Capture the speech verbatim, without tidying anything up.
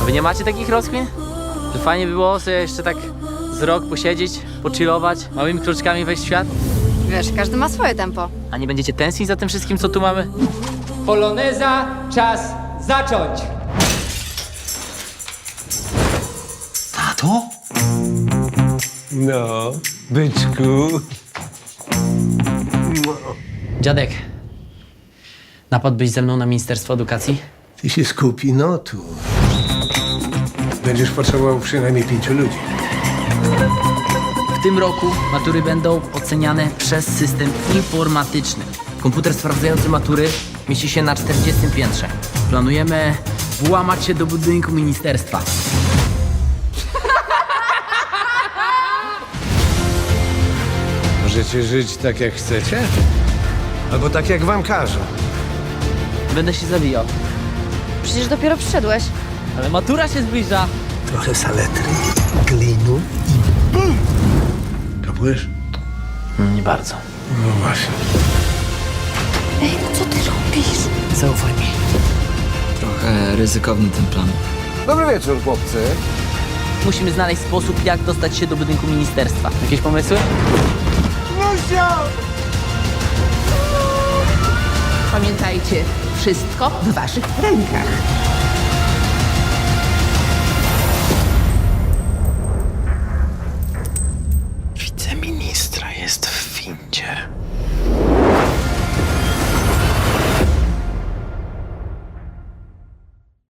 Wy nie macie takich rozkmin? Że fajnie by było sobie jeszcze tak z rok posiedzieć, pochillować, małymi kroczkami wejść w świat? Wiesz, każdy ma swoje tempo. A nie będziecie tęsknić za tym wszystkim, co tu mamy? Poloneza, czas zacząć! Tato? No, byczku. Dziadek, napadłbyś ze mną na Ministerstwo Edukacji? Ty się skupi, no tu. Będziesz potrzebował przynajmniej pięciu ludzi. W tym roku matury będą oceniane przez system informatyczny. Komputer sprawdzający matury mieści się na czterdziestym piętrze. Planujemy włamać się do budynku ministerstwa. Możecie żyć tak, jak chcecie? Albo tak, jak wam każą. Będę się zabijał. Przecież dopiero przyszedłeś. Ale matura się zbliża. Trochę saletry, glinu i bum! Kapujesz? Nie bardzo. No właśnie. Ej, no co ty robisz? Zaufaj mi. Trochę ryzykowny ten plan. Dobry wieczór, chłopcy. Musimy znaleźć sposób, jak dostać się do budynku ministerstwa. Jakieś pomysły? Pamiętajcie, wszystko w waszych rękach.